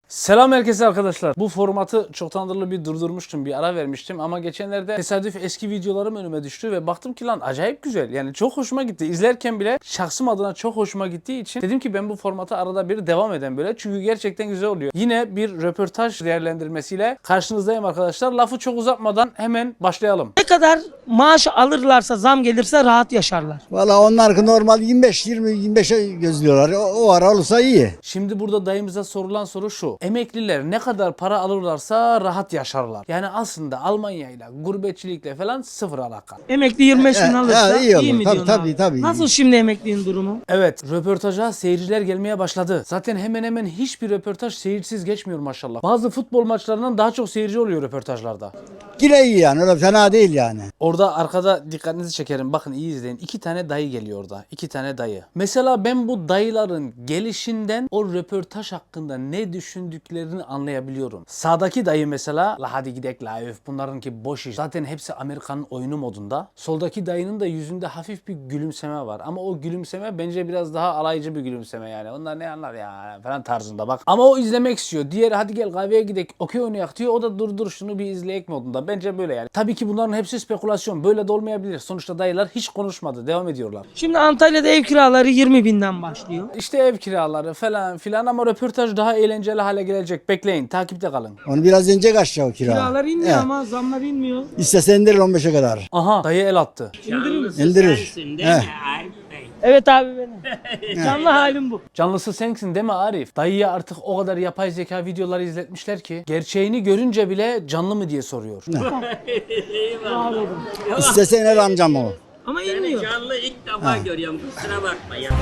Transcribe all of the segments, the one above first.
Selam herkese arkadaşlar. Bu formatı çoktandır bir durdurmuştum, bir ara vermiştim ama geçenlerde tesadüf eski videolarım önüme düştü ve baktım ki lan acayip güzel. Yani çok hoşuma gitti. İzlerken bile şahsım adına çok hoşuma gittiği için dedim ki ben bu formatı arada bir devam eden böyle. Çünkü gerçekten güzel oluyor. Yine bir röportaj değerlendirmesiyle karşınızdayım arkadaşlar. Lafı çok uzatmadan hemen başlayalım. Ne kadar maaş alırlarsa, zam gelirse rahat yaşarlar. Valla onlar normal 25'e gözlüyorlar. O ara olursa iyi. Şimdi burada dayımıza sorulan soru şu. Emekliler ne kadar para alırlarsa rahat yaşarlar. Yani aslında Almanya'yla, gurbetçilikle falan sıfır alaka. Emekli 25 bin alırsa iyi olur. mi Tabii, diyorsun tabii, abi? tabii. Nasıl şimdi emeklinin durumu? Evet, röportaja seyirciler gelmeye başladı. Zaten hemen hemen hiçbir röportaj seyirsiz geçmiyor maşallah. Bazı futbol maçlarından daha çok seyirci oluyor röportajlarda. Yine iyi yani, öyle fena değil yani. Orada arkada dikkatinizi çekerim. Bakın iyi izleyin. 2 tane dayı geliyor orada. 2 tane dayı. Mesela ben bu dayıların gelişinden o röportaj hakkında ne düşündüklerini anlayabiliyorum. Sağdaki dayı mesela la hadi gidek la öf bunlarınki boş iş. Zaten hepsi Amerikan'ın oyunu modunda. Soldaki dayının da yüzünde hafif bir gülümseme var. Ama o gülümseme bence biraz daha alaycı bir gülümseme yani. Onlar ne anlar ya falan tarzında bak. Ama o izlemek istiyor. Diğeri hadi gel kahveye gidek okey oynayak diyor. O da dur şunu bir izleyek modunda. Bence böyle yani. Tabii ki bunların hepsi spekülasyon. Böyle de olmayabilir. Sonuçta dayılar hiç konuşmadı. Devam ediyorlar. Şimdi Antalya'da ev kiraları 20 binden başlıyor. İşte ev kiraları falan filan ama röportaj daha eğlenceli hale gelecek. Bekleyin. Takipte kalın. Onu biraz inecek aşağı o kira. Kiralar inmiyor He. ama zamlar inmiyor. İstese indirir 15'e kadar. Aha dayı el attı. İndirir misin? İndirir. Sensin değil He. mi Arif Bey? Evet abi benim. Canlı halim bu. Canlısı sensin değil mi Arif? Dayıya artık o kadar yapay zeka videoları izletmişler ki gerçeğini görünce bile canlı mı diye soruyor. Var olun. İstese iner amcam o. Ama Seni inmiyor. canlı ilk defa görüyorum, kusura bakma ya.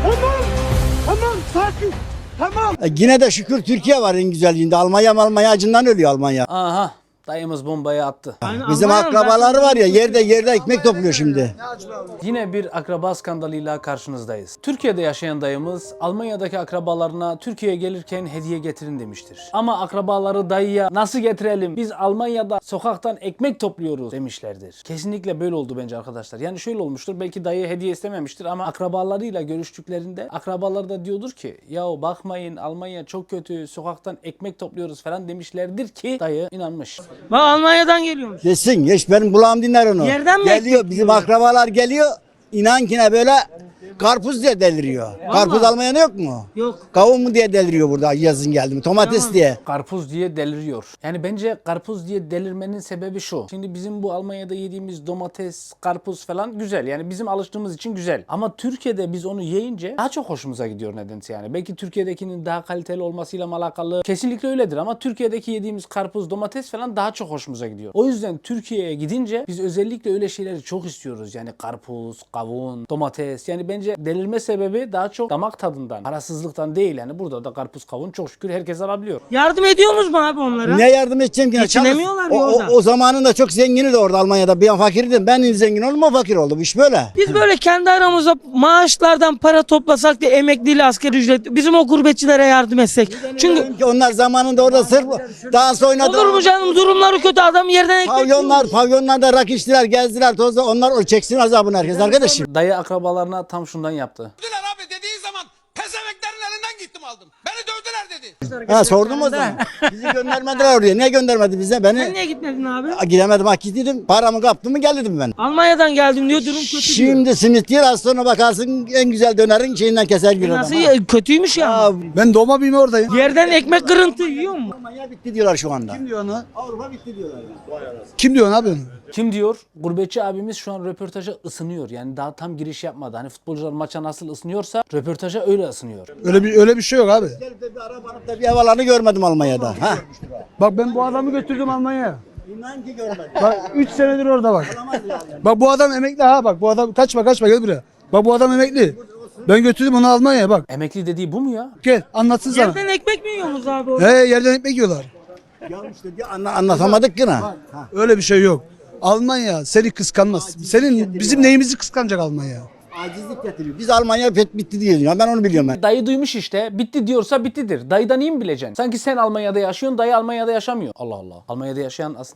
Yine de şükür Türkiye var en güzelliğinde. Almanya acından ölüyor Almanya. Aha dayımız bombayı attı. Yani Bizim Almanya'nın akrabaları zaten- var ya yerde ekmek topluyor şimdi. Yine bir akraba skandalıyla karşınızdayız. Türkiye'de yaşayan dayımız Almanya'daki akrabalarına Türkiye'ye gelirken hediye getirin demiştir. Ama akrabaları dayıya nasıl getirelim biz Almanya'da sokaktan ekmek topluyoruz demişlerdir. Kesinlikle böyle oldu bence arkadaşlar. Yani şöyle olmuştur belki dayı hediye istememiştir ama akrabalarıyla görüştüklerinde akrabaları da diyordur ki yahu bakmayın Almanya çok kötü sokaktan ekmek topluyoruz falan demişlerdir ki dayı inanmış. Bak Almanya'dan geliyormuş. Geçsin geç benim kulağım dinler onu. Yerden mi Geliyor ekmek bizim yiyorlar? akrabalar geliyor. İnan ki ne böyle karpuz diye deliriyor. Karpuz Almanya'da yok mu? Yok. Kavun mu diye deliriyor burada yazın geldi mi? Domates Tamam. diye. Karpuz diye deliriyor. Yani bence karpuz diye delirmenin sebebi şu. Şimdi bizim bu Almanya'da yediğimiz domates, karpuz falan güzel. Yani bizim alıştığımız için güzel. Ama Türkiye'de biz onu yiyince daha çok hoşumuza gidiyor nedense yani. Belki Türkiye'dekinin daha kaliteli olmasıyla mı alakalı? Kesinlikle öyledir ama Türkiye'deki yediğimiz karpuz, domates falan daha çok hoşumuza gidiyor. O yüzden Türkiye'ye gidince biz özellikle öyle şeyleri çok istiyoruz. Yani karpuz, kavun, domates. Yani bence delirme sebebi daha çok damak tadından, parasızlıktan değil yani. Burada da karpuz, kavun çok şükür herkes alabiliyor. Yardım ediyorsunuz mu abi onlara? Ne yardım edeceğim ki? Geçinemiyorlar ya orada. O zamanında çok zengini de orada Almanya'da. Ben fakirdim. Ben zengin oldum o fakir oldu. Bu iş böyle. Biz böyle kendi aramızda maaşlardan para toplasak da emekliyle asgari ücret bizim o gurbetçilere yardım etsek. Çünkü Çünkü onlar zamanında orada sırf dans oynadı. olur mu canım durumları kötü adam yerden ekmek yiyor. Pavyonlarda rakı içtiler, gezdiler, tozda. Onlar o çeksin azabını herkes arkadaşım. Dayı akrabalarına tam şundan yaptı. Dövdüler abi dediği zaman pezeveklerin elinden gittim aldım. Beni dövdüler dedi. Ha sordum o zaman. Bizi göndermediler oraya. Niye göndermedi bize? Sen Beni niye gitmedin abi? gidemedim. Hak gittim. Paramı kaptım mı geldim ben. Almanya'dan geldim diyor durum kötü diyor. Şimdi simit yer az sonra bakarsın en güzel dönerin şeyinden keser bir adam. Nasıl kötüymüş ya. Aa, Ben doğma büyüme oradayım. Yerden ekmek kırıntı yiyor mu? Almanya bitti diyorlar şu anda. Kim diyor onu? Avrupa bitti diyorlar. Kim diyor abi onu? Kim diyor? Gurbetçi abimiz şu an röportaja ısınıyor. Yani daha tam giriş yapmadı. Hani futbolcular maça nasıl ısınıyorsa röportaja öyle ısınıyor. Öyle bir şey yok abi. Gelip de bir araba alıp da bir havalarını görmedim Almanya'da. Ha. Bak ben bu adamı götürdüm Almanya'ya. İnan ki görmedim. Bak 3 senedir orada bak. Bak bu adam emekli ha bak bu adam kaçma gel buraya. Bak bu adam emekli. Ben götürdüm onu Almanya'ya bak. Emekli dediği bu mu ya? Gel anlatsın sana. Yerden ekmek mi yiyorsunuz abi orada? Yerden ekmek yiyorlar. Ya işte anlatamadık yine. Ha. Öyle bir şey yok. Almanya seni kıskanmaz. Bizim neyimizi kıskanacak Almanya? Acizlik getiriyor. Biz Almanya bitti diyoruz ya. Ben onu biliyorum ben. Dayı duymuş işte. Bitti diyorsa bittidir. Dayıdan iyi mi bileceksin? Sanki sen Almanya'da yaşıyorsun, dayı Almanya'da yaşamıyor. Allah Allah. Almanya'da yaşayan aslında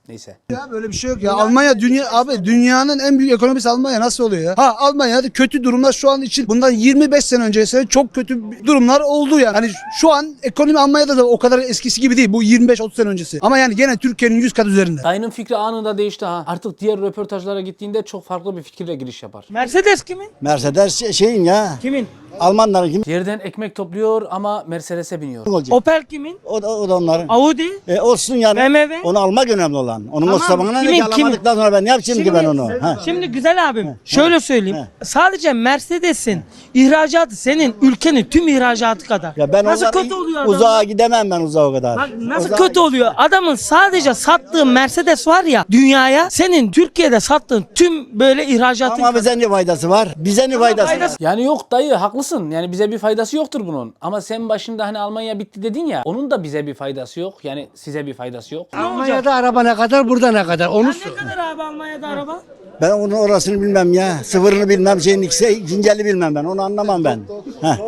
Neyse. Ya böyle bir şey yok ya. Almanya dünyanın en büyük ekonomisi Almanya nasıl oluyor ya? Ha Almanya'da kötü durumlar şu an için bundan 25 sene öncesine çok kötü durumlar oldu yani. Hani şu an ekonomi Almanya'da da o kadar eskisi gibi değil. Bu 25-30 sene öncesi. Ama yani gene Türkiye'nin 100 kat üzerinde. Dayının fikri anında değişti ha. Artık diğer röportajlara gittiğinde çok farklı bir fikirle giriş yapar. Mercedes kimin? Mercedes şeyin ya. Kimin? Almanların kim Yerden ekmek topluyor ama Mercedes'e biniyor. olacak? Opel kimin? O da onların. Audi? Olsun yani. BMW? Onu almak önemli olan. Onun Tamam, o sabahına ne kimin, ki alamadıktan sonra ben ne yapacağım ki ben onu? Ha. Şimdi güzel abim şöyle söyleyeyim. Sadece Mercedes'in ihracatı senin ülkenin tüm ihracatı kadar. Ya ben nasıl onlara kötü oluyor adamın? uzağa gidemem ben uzağa kadar. Bak nasıl Uzağa- kötü oluyor? Adamın sadece sattığı Mercedes var ya dünyaya senin Türkiye'de sattığın tüm böyle ihracatın Ama bize ne faydası var? Bize ne faydası var? faydası- Yani yok dayı haklısın. Yani bize bir faydası yoktur bunun. Ama sen başında hani Almanya bitti dedin ya. Onun da bize bir faydası yok. Yani size bir faydası yok. Ne olacak? Almanya'da araba ne kadar, burada ne kadar? Onu Ne kadar abi Almanya'da araba? Ben onun orasını bilmem ya. Sıfırını bilmem, şeyin ikisi cinceli bilmem ben. Onu anlamam ben. Heh.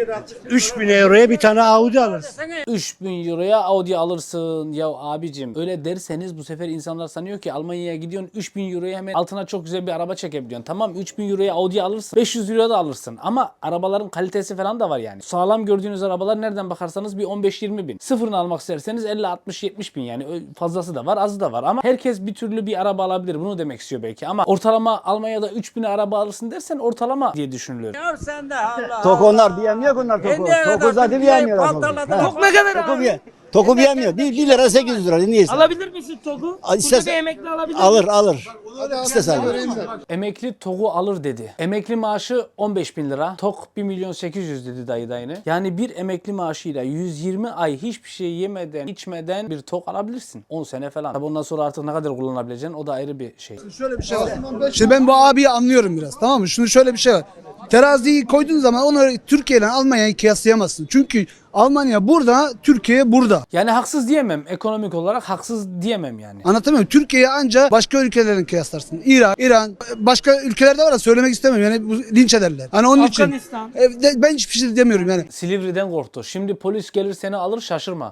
3000 euroya bir tane Audi alırsın. 3000 euroya Audi alırsın. Ya abicim öyle derseniz bu sefer insanlar sanıyor ki Almanya'ya gidiyorsun 3000 euroya hemen altına çok güzel bir araba çekebiliyorsun. Tamam 3000 euroya Audi alırsın. 500 euroya da alırsın. Ama arabaların kalitesi falan da var yani. Sağlam gördüğünüz arabalar nereden bakarsanız bir 15-20 bin. Sıfırını almak isterseniz 50-60-70 bin yani. Fazlası da var azı da var. Ama herkes bir türlü bir araba alabilir. Bunu demek istiyor belki. Ama ortalama Almanya'da 3000'e araba alırsın dersen ortalama diye düşünülüyor. Ya sen de Allah. Tok onlar diyemiyor ki onlar toku. Toku zaten diyemiyor. Tok ne kadar abi? Toku diyemiyor. 1 lira 800 lira. Niye? Alabilir misin TOG'u? Burada İstersen- bir emekli alabilir Alır. İstesen. Emekli TOG'u alır dedi. Emekli maaşı 15 bin lira. TOG 1 milyon 800 dedi dayı dayını. Yani bir emekli maaşıyla 120 ay hiçbir şey yemeden içmeden bir TOG alabilirsin. 10 sene falan. Tabi ondan sonra artık ne kadar kullanabileceksin o da ayrı bir şey. Şöyle bir şey var. Şimdi ben bu abiyi anlıyorum biraz, tamam mı? Şunu şöyle bir şey var. Teraziyi koyduğun zaman onu Türkiye ile Almanya'yı kıyaslayamazsın. Çünkü Almanya burada, Türkiye burada. Yani haksız diyemem. Ekonomik olarak haksız diyemem yani. Anlatamıyorum. Türkiye'yi ancak başka ülkelerin kıyaslarsın. Irak, İran, başka ülkelerde var da söylemek istemiyorum. Yani bu linç ederler. Hani onun Afganistan. için ben hiçbir şey demiyorum yani. Silivri'den korktu. Şimdi polis gelir seni alır şaşırma.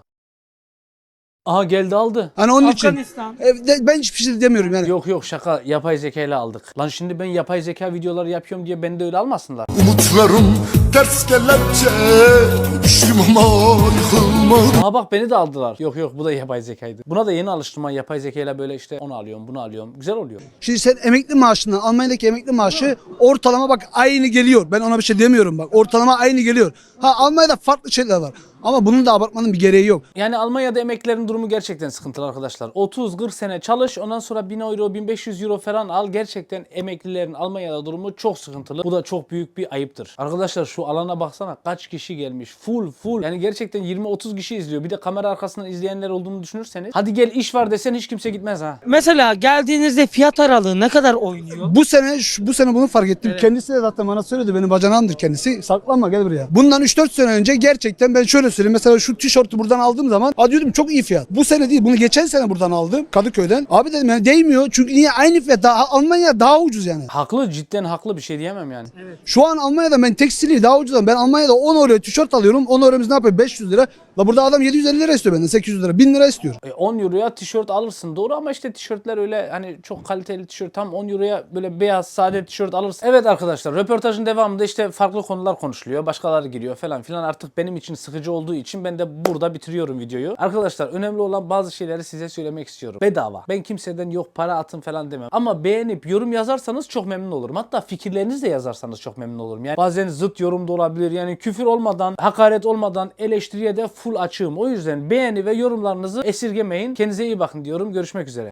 Aha geldi aldı. Hani onun için Afganistan. ben hiçbir şey demiyorum yani. Yok şaka yapay zeka ile aldık. Lan şimdi ben yapay zeka videoları yapıyorum diye beni de öyle almasınlar. Umutlarım ters kelepçe, düştüm ama yıkılmadım. Aa bak beni de aldılar. Yok bu da yapay zekaydı. Buna da yeni alıştım ben yapay zekayla böyle işte onu alıyorum bunu alıyorum. Güzel oluyor. Şimdi sen emekli maaşından, Almanya'daki emekli maaşı ortalama bak aynı geliyor. Ben ona bir şey demiyorum bak. Ortalama aynı geliyor. Ha Almanya'da farklı şeyler var. Ama bunun da abartmanın bir gereği yok. Yani Almanya'da emeklilerin durumu gerçekten sıkıntılı arkadaşlar. 30-40 sene çalış ondan sonra 1000 euro 1500 euro falan al. Gerçekten emeklilerin Almanya'da durumu çok sıkıntılı. Bu da çok büyük bir ayıptır. Arkadaşlar şu alana baksana kaç kişi gelmiş. Full. Yani gerçekten 20-30 kişi izliyor. Bir de kamera arkasından izleyenler olduğunu düşünürseniz. Hadi gel iş var desen hiç kimse gitmez ha. Mesela geldiğinizde fiyat aralığı ne kadar oynuyor? Bu sene bunu fark ettim. Kendisi de zaten bana söyledi. Benim bacanağımdır kendisi. Saklanma gel buraya. Bundan 3-4 sene önce gerçekten ben şöyle söyleyeyim. Mesela şu tişörtü buradan aldığım zaman diyordum çok iyi fiyat. Bu sene değil. Bunu geçen sene buradan aldım. Kadıköy'den. Abi dedim yani değmiyor. Çünkü niye aynı fiyat? Almanya daha ucuz yani. Haklı cidden haklı bir şey diyemem yani. Şu an Almanya'da ben tekstili daha ucuz. Ben Almanya'da 10 euroya tişört alıyorum. 10 euromuz ne yapıyor? 500 lira. La burada adam 750 lira istiyor benden. 800 lira. 1000 lira istiyor. 10 euroya tişört alırsın doğru ama işte tişörtler öyle hani çok kaliteli tişört tam 10 euroya böyle beyaz sade tişört alırsın. Evet arkadaşlar röportajın devamında işte farklı konular konuşuluyor. Başkaları giriyor falan filan artık benim için sıkıcı olduğu için ben de burada bitiriyorum videoyu. Arkadaşlar önemli olan bazı şeyleri size söylemek istiyorum. Bedava. Ben kimseden yok para atın falan demem. Ama beğenip yorum yazarsanız çok memnun olurum. Hatta fikirlerinizi de yazarsanız çok memnun olurum. Yani bazen zıt yorum da olabilir. Yani küfür olmadan, hakaret olmadan eleştiriye de full açığım. O yüzden beğeni ve yorumlarınızı esirgemeyin. Kendinize iyi bakın diyorum. Görüşmek üzere.